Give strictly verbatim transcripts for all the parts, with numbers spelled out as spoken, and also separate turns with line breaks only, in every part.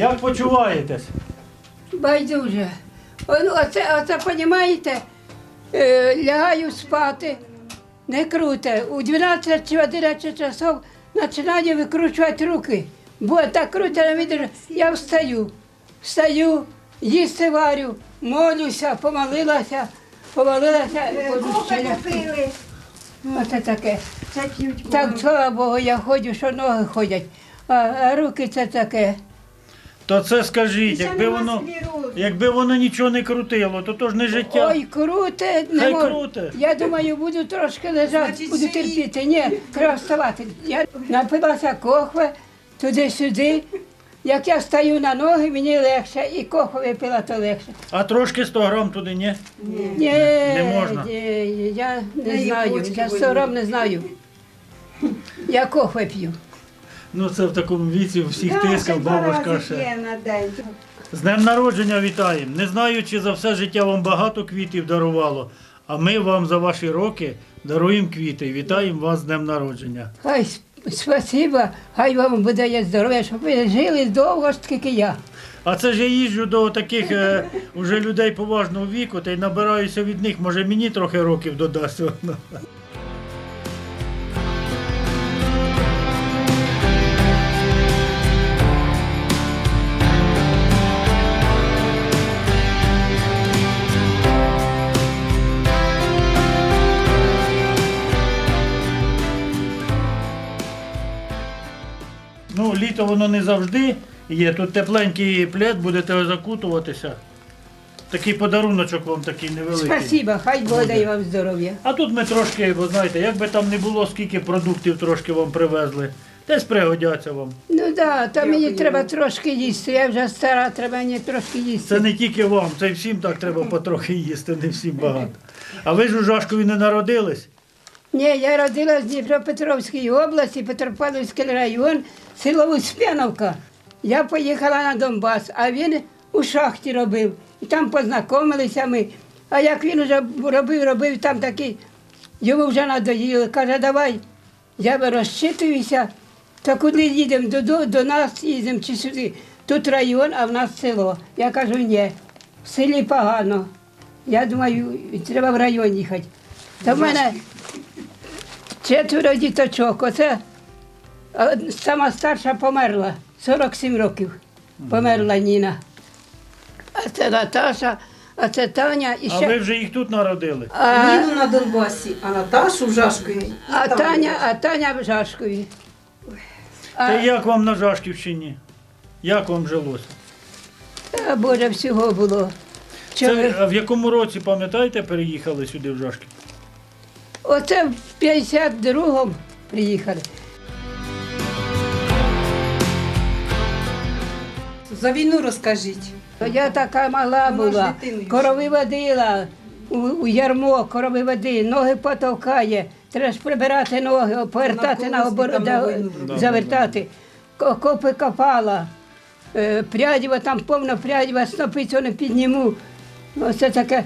Як почуваєтесь?
Байдуже. Ну, оце, оце, понімаєте, е, лягаю спати, не круте. У дванадцять чи одинадцять часов починаю викручувати руки. Бо так круто, не видержу. Я встаю, встаю, їсти варю, молюся, помолилася, помолилася.
Купили.
Оце таке.
Це п'ють.
Так, слава Богу, я ходжу, що ноги ходять, а, а руки це таке.
То це скажіть,
Це
якби
нема
воно,
склерозу.
якби воно нічого не крутило, то то ж не життя.
Ой, круте, не
Хай
можу.
круте.
Я думаю, буду трошки лежати,
Значить,
буду
живі.
терпіти. Ні, треба вставати. Я напилася кохви, туди-сюди. Як я стаю на ноги, мені легше, і кохву випила, то легше.
А трошки сто грам туди, ні?
Ні,
Не можна?
ні, я не
Неї
знаю,
почки
я
болять.
сором не знаю. Я кохви п'ю.
Ну це в такому віці всіх
Да,
тискав,
ще два
бабушка
рази
ще.
є на день.
З днем народження вітаємо. Не знаю, чи за все життя вам багато квітів дарувало, а ми вам за ваші роки даруємо квіти. Вітаємо вас з днем народження.
Хай с- спасибо, хай вам буде є здоров'я, щоб ви жили довго, скільки я.
А це ж я їжджу до таких е, уже людей поважного віку та й набираюся від них. Може мені трохи років додасть. воно. Ну, літо воно не завжди є. Тут тепленький плед, будете закутуватися. Такий подаруночок вам такий невеликий.
Спасибо, хай Бог дає вам здоров'я.
А тут ми трошки, бо знаєте, як би там не було, скільки продуктів трошки вам привезли, десь пригодяться вам.
Ну так, да, то мені треба трошки їсти, я вже стара, треба мені трошки їсти.
Це не тільки вам, це й всім так треба потрохи їсти, не всім багато. А ви ж у Жашкові не народились?
Ні, я родилась в Дніпропетровській області, Петропавлівський район, село Успяновка. Я поїхала на Донбас, а він у шахті робив. І там познайомилися ми. А як він вже робив, робив, там такий, йому вже надоїли. Каже, давай, я розчитуюся, то куди їдемо, до, до, до нас їдемо чи сюди. Тут район, а в нас село. Я кажу, ні, в селі погано. Я думаю, треба в район їхати. То в мене четверо діточок. Оце а, сама старша померла, сорок сім років. Померла Ніна. А це Наташа, а це Таня. І
А
ще...
ви вже їх тут народили?
а,
Ніну на Донбасі, а Наташу в Жашкові.
а, Таня, а Таня в Жашкові. А,
Та як вам на Жашківщині? Як вам жилося?
а, Боже, всього було. Чого-
Це а в якому році, пам'ятаєте, переїхали сюди в Жашків?
Оце в п'ятдесят другому приїхали.
За війну розкажіть.
То я така мала
Вона ж
була,
дитиною
корови водила у, у ярмо, корови води, ноги потовкає, треба ж прибирати ноги, повертати на обор,
колгоспі там на
да,
війну
робили.
завертати. Ко- Копи копала, е, прядіва, там повно прядіва, снопи цього не підніму. Оце таке.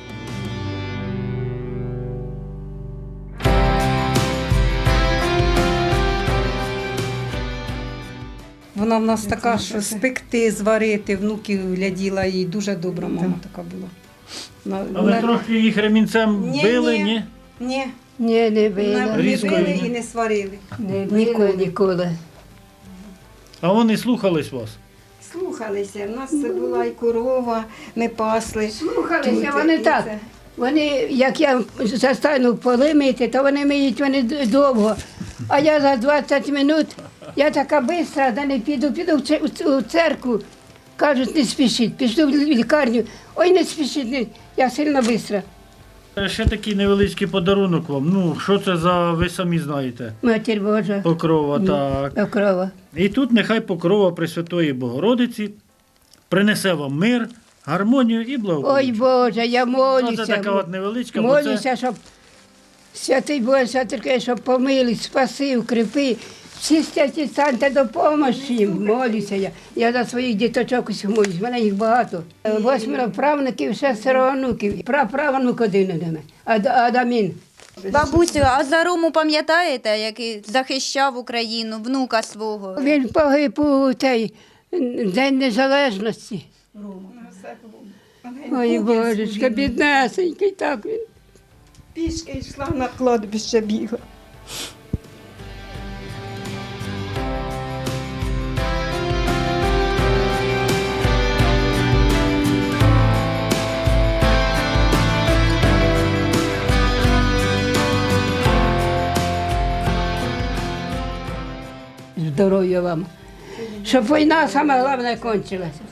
Вона в нас така, що спекти, зварити, внуків гляділа, і дуже добра мама така була. Вона-
А ви
вона-
трохи їх ремінцем
Ні,
били,
ні.
ні?
Ні,
Ні, не
не,
била,
не
Різко
били
ні.
і не сварили.
не била ніколи.
А вони слухались вас?
Слухалися, в нас була і корова, ми пасли.
Слухалися,
Тут,
вони
і
так.
це.
Вони, як я застану поли мити, то вони миють вони д- довго. А я за двадцять минут, я така бистра, да не піду, піду в це- у ц- у церкву. Кажуть, не спішіть, пішли в лікарню. Ой, не спішіть, не. Я сильно бистра.
Е, Ще такий невеличкий подарунок вам. Ну, що це за, ви самі знаєте,
Матір Божа,
покрова, так.
окрова.
І тут нехай покрова Пресвятої Богородиці принесе вам мир, гармонію і
Ой,
благополуччя.
Боже, я
Ну,
молюся.
це така от невеличка, бо це...
Молюся, щоб святий Боже, святий, щоб помилуй, спаси, укріпи. Всі святі станьте допомогти їм. Молюся я. Я за своїх діточок усіх молюсь, в мене їх багато. Восьмеро правнуків, шестеро онуків. Праправнук один у мене. Ад- Адамін.
Бабусю, а за Рому пам'ятаєте, який захищав Україну, внука свого?
Він погиб у, цей, День Незалежності. Ой, Божечка, біднесенький, так він.
Пішки йшла на кладбище бігла.
Здоров'я вам. Щоб війна саме головне кончилася.